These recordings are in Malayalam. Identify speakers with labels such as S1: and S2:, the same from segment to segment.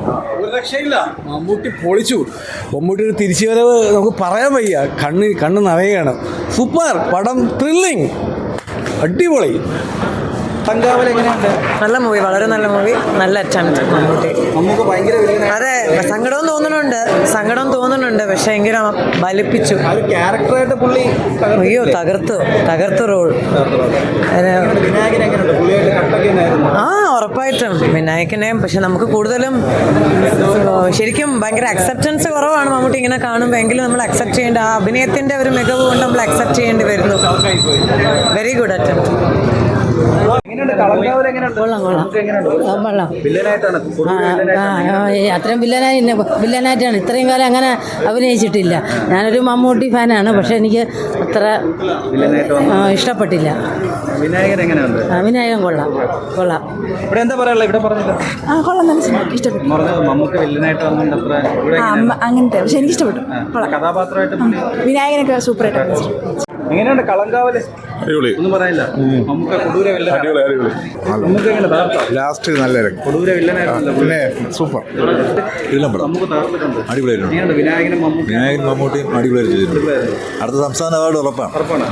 S1: ഒരു രക്ഷയില്ല. മമ്മൂട്ടി പൊളിച്ചു. മമ്മൂട്ടിയുടെ തിരിച്ചുവരവ് നമുക്ക് പറയാൻ വയ്യ. കണ്ണ് നിറയുകയാണ്. സൂപ്പർ പടം, ത്രില്ലിങ്, അടിപൊളി. തങ്കാവൽ എങ്ങനെയുണ്ട്?
S2: നല്ല മൂവി, വളരെ നല്ല മൂവി, നല്ല അറ്റംപ്റ്റ് മമ്മൂട്ടി.
S1: നമുക്ക് ഭയങ്കര
S2: അതെ, സങ്കടം തോന്നുന്നുണ്ട്, പക്ഷെ എങ്കിലും ബലിപ്പിച്ചു.
S1: ക്യാരക്ടറായിട്ട് പുള്ളി
S2: അയ്യോ, തകർത്തു റോൾ. ആ, ഉറപ്പായിട്ടും വിനായകനെയും. പക്ഷെ നമുക്ക് കൂടുതലും ശരിക്കും ഭയങ്കര അക്സെപ്റ്റൻസ് കുറവാണ് മമ്മൂട്ടി ഇങ്ങനെ കാണുമ്പോൾ. എങ്കിലും നമ്മൾ അക്സെപ്റ്റ് ചെയ്യേണ്ട, ആ അഭിനയത്തിന്റെ ഒരു മികവ് കൊണ്ട് നമ്മൾ അക്സെപ്റ്റ് ചെയ്യേണ്ടി വരുന്നു. Very good attempt.
S3: അത്രയും വില്ലനായിട്ടാണ് ഇത്രയും കാലം അങ്ങനെ അഭിനയിച്ചിട്ടില്ല. ഞാനൊരു മമ്മൂട്ടി ഫാനാണ്, പക്ഷെ എനിക്ക് അത്ര ഇഷ്ടപ്പെട്ടില്ല. വിനായകൻ കൊള്ളാം. ഇഷ്ടപ്പെട്ടു അങ്ങനത്തെ, പക്ഷെ എനിക്ക് ഇഷ്ടപ്പെട്ടു. വിനായകനൊക്കെ സൂപ്പറായിട്ട്.
S1: എങ്ങനെയുണ്ട് കളങ്കാവല്? ഒന്നും പറയാനില്ല.
S4: ലാസ്റ്റ് നല്ല
S1: പിന്നെ
S4: സൂപ്പർ.
S1: അടിപൊളിയായിട്ടുണ്ട്. വിനായകനും
S4: മമ്മൂട്ടിയും അടിപൊളിയായിട്ട് ചെയ്തിട്ടുണ്ട്. അടുത്ത സംസ്ഥാന അവാർഡ് ഉറപ്പാണ്.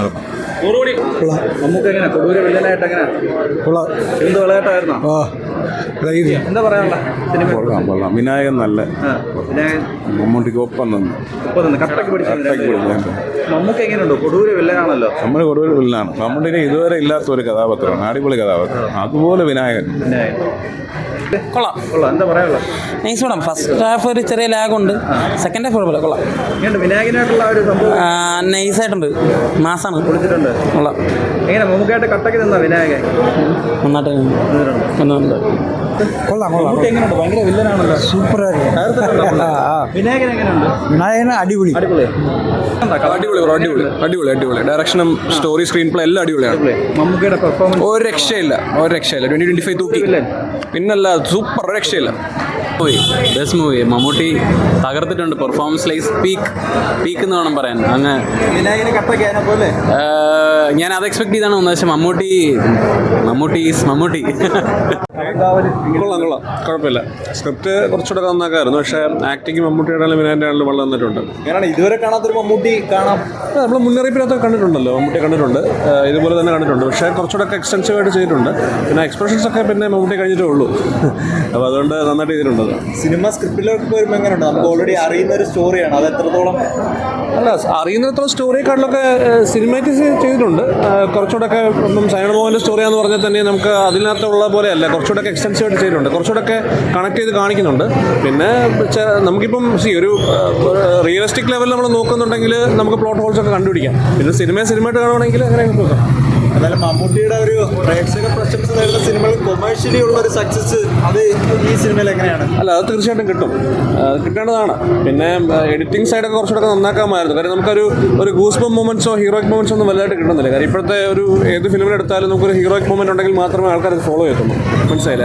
S1: എന്ത് വിളയാട്ടായിരുന്നോ? എന്താ പറയാനുള്ള സിനിമ?
S4: വിനായകൻ നല്ല മമ്മൂട്ടിക്ക് ഒപ്പം നിന്ന്
S1: കട്ടക്ക് പിടിച്ചു. മമ്മൂക്ക് എങ്ങനെയുണ്ടോ? കൊടൂര വില്ലനാണല്ലോ.
S4: നമ്മൾ കൊടുവൊരു വില്ലനാണ്. മമ്മൂട്ടിനെ ഇതുവരെ ഇല്ലാത്ത ഒരു കഥാപാത്രമാണ്. അടിപൊളി കഥാപാത്രം. അതുപോലെ വിനായകൻ
S2: കൊള്ളാം.
S1: എന്താ പറയാനുള്ള?
S2: നൈസ് പടം. ഫസ്റ്റ് ഹാഫ് ഒരു ചെറിയ ലാഗുണ്ട്, സെക്കൻഡ് ഹാഫ് കുഴപ്പമില്ല, കൊള്ളാം.
S1: വിനായകനായിട്ടുള്ള ഒരു സംഭവം
S2: നൈസായിട്ടുണ്ട്, മാസാണ്,
S1: കൊടുത്തിട്ടുണ്ട്.
S2: കൊള്ളാം.
S1: എങ്ങനെ മമ്മൂക്കായിട്ട് കട്ടക്ക് നിന്നാ വിനായകൻ?
S2: നന്നായിട്ട്
S1: കൊള്ളാം. എങ്ങനെയുണ്ട്? ഭയങ്കര വില്ലനാണല്ലോ.
S4: സൂപ്പറായിരുന്നു.
S1: വിനായകൻ എങ്ങനെയുണ്ട്?
S4: വിനായകൻ അടിപൊളി.
S5: അടിപൊളി. ഡയറക്ഷനും സ്റ്റോറി, സ്ക്രീൻ പ്ലേ എല്ലാം അടിപൊളിയാണ്.
S1: മമ്മൂക്കയുടെ പെർഫോമൻസ്
S5: ഒരു രക്ഷയില്ല. 2025 തൂക്കി. പിന്നല്ല, സൂപ്പർ, ഒരു രക്ഷയില്ല. Best movie. മമ്മൂട്ടി തകർത്തിട്ടുണ്ട്. പെർഫോമൻസ് ലൈസ് പീക്ക് എന്ന് വേണം പറയാൻ. അങ്ങ്
S1: വിനായകന് കട്ടക്ക് പോലെ
S5: ഞാൻ അത് എക്സ്പെക്ട് ചെയ്താണ് വന്നത്. പക്ഷെ മമ്മൂട്ടി
S6: കൊള്ളാം, കുഴപ്പമില്ല. സ്ക്രിപ്റ്റ് കുറച്ചുകൂടെ നന്നാക്കായിരുന്നു, പക്ഷേ ആക്ടിങ് മമ്മൂട്ടിയുടെ വിനായൻ്റെ ആണെങ്കിലും വളരെ നന്നിട്ടുണ്ട്.
S1: ഞാനാണ് ഇതുവരെ കാണാത്തൊരു മമ്മൂട്ടി കാണാം.
S6: നമ്മൾ മുന്നറിയിപ്പിനകത്ത് കണ്ടിട്ടുണ്ടല്ലോ, മമ്മൂട്ടി കണ്ടിട്ടുണ്ട്, ഇതുപോലെ തന്നെ കണ്ടിട്ടുണ്ട്. പക്ഷേ കുറച്ചുകൂടെ ഒക്കെ എക്സ്റ്റൻസീവായിട്ട് ചെയ്തിട്ടുണ്ട്. പിന്നെ എക്സ്പ്രഷൻസ് ഒക്കെ പിന്നെ മമ്മൂട്ടി കഴിഞ്ഞിട്ടേ ഉള്ളൂ. അപ്പോൾ അതുകൊണ്ട് നന്നായിട്ട് ചെയ്തിട്ടുണ്ട്.
S1: സിനിമ സ്ക്രിപ്റ്റിലേക്ക് വരുമ്പോൾ എങ്ങനെയുണ്ട്? നമുക്ക് ഓൾറെഡി അറിയുന്ന ഒരു സ്റ്റോറിയാണ്, അത് എത്രത്തോളം?
S6: അല്ല, അറിയുന്നത്ര സ്റ്റോറിയെക്കാട്ടിലൊക്കെ സിനിമാറ്റിക്സ് ചെയ്തിട്ടുണ്ട്. കുറച്ചുകൂടെ ഒക്കെ ഇപ്പം സൈനൽ മോഹൻ്റെ സ്റ്റോറിയാന്ന് പറഞ്ഞാൽ തന്നെ നമുക്ക് അതിനകത്തുള്ള പോലെയല്ല, കുറച്ചുകൂടെ ഒക്കെ എക്സ്റ്റൻസീവായിട്ട് ചെയ്തിട്ടുണ്ട്. കുറച്ചുകൂടെ ഒക്കെ കണക്ട് ചെയ്ത് കാണിക്കുന്നുണ്ട്. പിന്നെ നമുക്കിപ്പം ഒരു റിയലിസ്റ്റിക് ലെവലിൽ നമ്മൾ നോക്കുന്നുണ്ടെങ്കിൽ നമുക്ക് പ്ലോട്ട് ഹോൾസ് ഒക്കെ കണ്ടുപിടിക്കാം. പിന്നെ സിനിമയായിട്ട് കാണുവാണെങ്കിൽ അങ്ങനെ നോക്കാം.
S1: എന്നാലും മമ്മൂട്ടിയുടെ ഒരു പ്രേക്ഷക പ്രശംസ നേടുന്ന സിനിമകൾ കൊമേഴ്ഷ്യലി ഉള്ള ഒരു സക്സസ് അത് ഈ സിനിമയിൽ എങ്ങനെയാണ്?
S6: അല്ല, അത് തീർച്ചയായിട്ടും കിട്ടേണ്ടതാണ്. പിന്നെ എഡിറ്റിംഗ് സൈഡൊക്കെ കുറച്ചുകൂടെ നന്നാക്കാമായിരുന്നു. കാര്യം നമുക്കൊരു ഗൂസ്ബം മൊമെന്റ്സോ ഹീറോയിക് മൊമെന്റ്സോ ഒന്നും വലുതായിട്ട് കിട്ടുന്നില്ല. കാര്യം ഇപ്പോഴത്തെ ഏത് ഫിലിമിലെടുത്താലും നമുക്കൊരു ഹീറോയിക് മൊമെന്റ് ഉണ്ടെങ്കിൽ മാത്രമേ ആൾക്കാർ അത് ഫോളോ ചെയ്യത്തുള്ളൂ. മനസ്സിലായില്ലേ?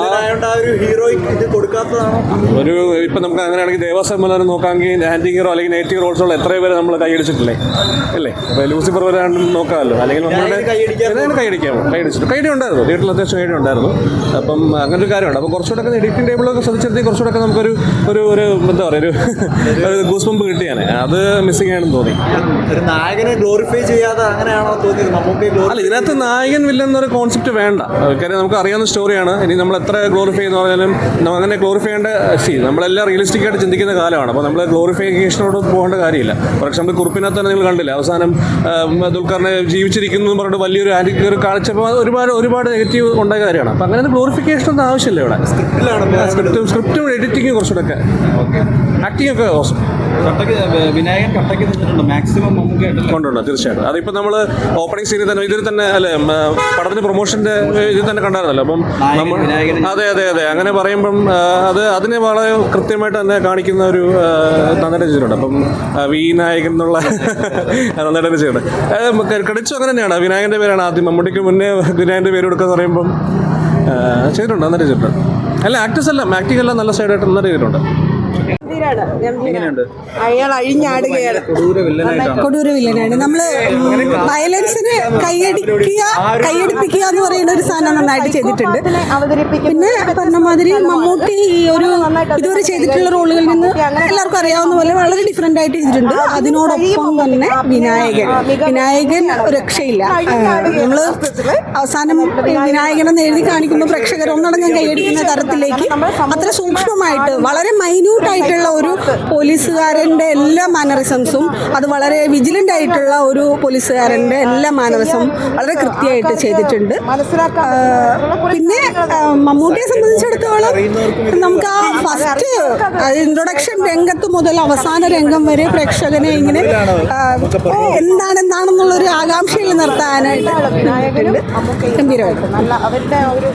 S6: ഇപ്പം നമുക്ക് അങ്ങനെയാണെങ്കിൽ ദേവാസമ്മലാനും നോക്കാമെങ്കിൽ ആൻറ്റി ഹീറോ അല്ലെങ്കിൽ നെഗറ്റീവ് റോൾസുള്ള എത്രയോ പേര് നമ്മൾ കൈയടിച്ചിട്ടില്ലേ അല്ലേ? അപ്പോൾ ലൂസിഫർ വരെ നോക്കാമല്ലോ. അല്ലെങ്കിൽ നമ്മളുടെ കൈയടി ഉണ്ടായിരുന്നു, വീട്ടിൽ അത്യാവശ്യം കൈയടി ഉണ്ടായിരുന്നു. അപ്പം അങ്ങനെ ഒരു കാര്യമുണ്ട്. അപ്പോൾ കുറച്ചുകൂടെ ഒക്കെ എഡിറ്റിംഗ് ടേബിളൊക്കെ ശ്രദ്ധിച്ചെടുത്ത് കുറച്ചുകൂടെ ഒക്കെ നമുക്കൊരു എന്താ പറയുക, ഒരു ഗൂസ്ബംപ് കിട്ടിയാണ്. അത് മിസ്സിംഗ് ആണെന്ന് തോന്നി.
S1: ഒരു നായകനെ ഗ്ലോറിഫൈ ചെയ്യാതെ അങ്ങനെയാണോ തോന്നിയത്?
S6: അല്ല, ഇതിനകത്ത് നായകൻ വില്ലൻ എന്നൊരു കോൺസെപ്റ്റ് വേണ്ട. കാര്യം നമുക്ക് അറിയാവുന്ന സ്റ്റോറിയാണ്. ഇനി നമ്മൾ എത്ര ഗ്ലോറിഫൈ എന്ന് പറഞ്ഞാലും അങ്ങനെ ഗ്ലോറിഫൈ ചെയ്യേണ്ട നമ്മളെല്ലാം റിയലിസ്റ്റിക് ആയിട്ട് ചിന്തിക്കുന്ന കാലമാണ്. അപ്പോൾ നമ്മൾ ഗ്ലോറിഫിക്കേഷനോട് പോകേണ്ട കാര്യമില്ല. ഫോർ എക്സാമ്പിൾ കുറിപ്പിനകത്ത് തന്നെ നിങ്ങൾ കണ്ടില്ല, അവസാനം ദുൽഖറിനെ ജീവിച്ചിരിക്കുന്നു എന്ന് പറഞ്ഞിട്ട് വലിയൊരു ആൻറ്റി കാണിച്ചപ്പോൾ ഒരുപാട് നെഗറ്റീവ് ഉണ്ടായ കാര്യമാണ്. അപ്പോൾ അങ്ങനെ ക്ലോറിഫിക്കേഷൻ ഒന്നും ആവശ്യമില്ല. ഇവിടെ സ്ക്രിപ്റ്റും എഡിറ്റിങ്ങും കുറച്ചുകൂടെ ഒക്കെ ആക്ടിങ് ഒക്കെ ഓസം.
S1: വിനായകൻ കട്ടക്ക് നിന്നിട്ടുണ്ട് മാക്സിമം
S6: കൊണ്ടുണ്ട് തീർച്ചയായിട്ടും. അതിപ്പോൾ നമ്മൾ ഓപ്പണിംഗ് സീനിൽ തന്നെ ഇതിൽ തന്നെ അല്ലേ, പടത്തിന് പ്രൊമോഷൻ്റെ ഇതിൽ തന്നെ കണ്ടായിരുന്നല്ലോ. അപ്പം അതെ അങ്ങനെ പറയുമ്പം അതിനെ വളരെ കൃത്യമായിട്ട് തന്നെ കാണിക്കുന്ന ഒരു നന്നായിട്ട് ചെയ്തിട്ടുണ്ട്. അപ്പം വിനായകൻ എന്നുള്ള നന്നായിട്ട് ചെയ്യുന്നുണ്ട്. ക്രെഡിറ്റ്സും അങ്ങനെ തന്നെയാണ്. വിനായകൻ്റെ പേരാണ് ആദ്യം, മമ്മൂട്ടിക്ക് മുന്നേ വിനായകൻ്റെ പേര് കൊടുക്കുക എന്ന് പറയുമ്പം ചെയ്തിട്ടുണ്ട്, നന്നായിട്ട് ചെയ്തിട്ടുണ്ട്. അല്ല, ആക്ടേഴ്സ് എല്ലാം ആക്ടിംഗ് എല്ലാം നല്ല സൈഡായിട്ട് നന്നായിട്ട് ചെയ്തിട്ടുണ്ട്.
S7: അയാൾ അഴിഞ്ഞാടുകയാണ്, കൊടൂര വില്ലനാണ്. നമ്മള് വയലൻസിന് കൈയടിപ്പിക്കുക എന്ന് പറയുന്ന ഒരു സാധനം നന്നായിട്ട് ചെയ്തിട്ടുണ്ട്. പിന്നെ പറഞ്ഞ മാതിരി മമ്മൂട്ടി ഈ ഒരു ഇതുവരെ ചെയ്തിട്ടുള്ള റോളുകളിൽ നിന്ന് എല്ലാവർക്കും അറിയാവുന്ന പോലെ വളരെ ഡിഫറെൻ്റ് ആയിട്ട് ചെയ്തിട്ടുണ്ട്. അതിനോടൊപ്പം തന്നെ വിനായകൻ രക്ഷയില്ല. നമ്മൾ അവസാനം വിനായകനെന്ന് എഴുതി കാണിക്കുമ്പോൾ പ്രേക്ഷകർ ഒന്നടങ്കം കൈയടിക്കുന്ന തരത്തിലേക്ക് അത്ര സൂക്ഷ്മമായിട്ട് വളരെ മൈന്യൂട്ടായിട്ടുള്ള ഒരു പോലീസുകാരൻ്റെ എല്ലാ മാനറിസംസും, അത് വളരെ വിജിലൻ്റ് ആയിട്ടുള്ള ഒരു പോലീസുകാരൻ്റെ എല്ലാ മാനറിസം വളരെ കൃത്യമായിട്ട് ചെയ്തിട്ടുണ്ട്. പിന്നെ മമ്മൂട്ടിയെ സംബന്ധിച്ചിടത്തോളം നമുക്ക് ആ ഫസ്റ്റ് ഇൻട്രൊഡക്ഷൻ രംഗത്ത് മുതൽ അവസാന രംഗം വരെ പ്രേക്ഷകനെ ഇങ്ങനെ എന്താണെന്നുള്ളൊരു ആകാംക്ഷയിൽ നിർത്താനായിട്ട് ഗംഭീരമായിട്ട്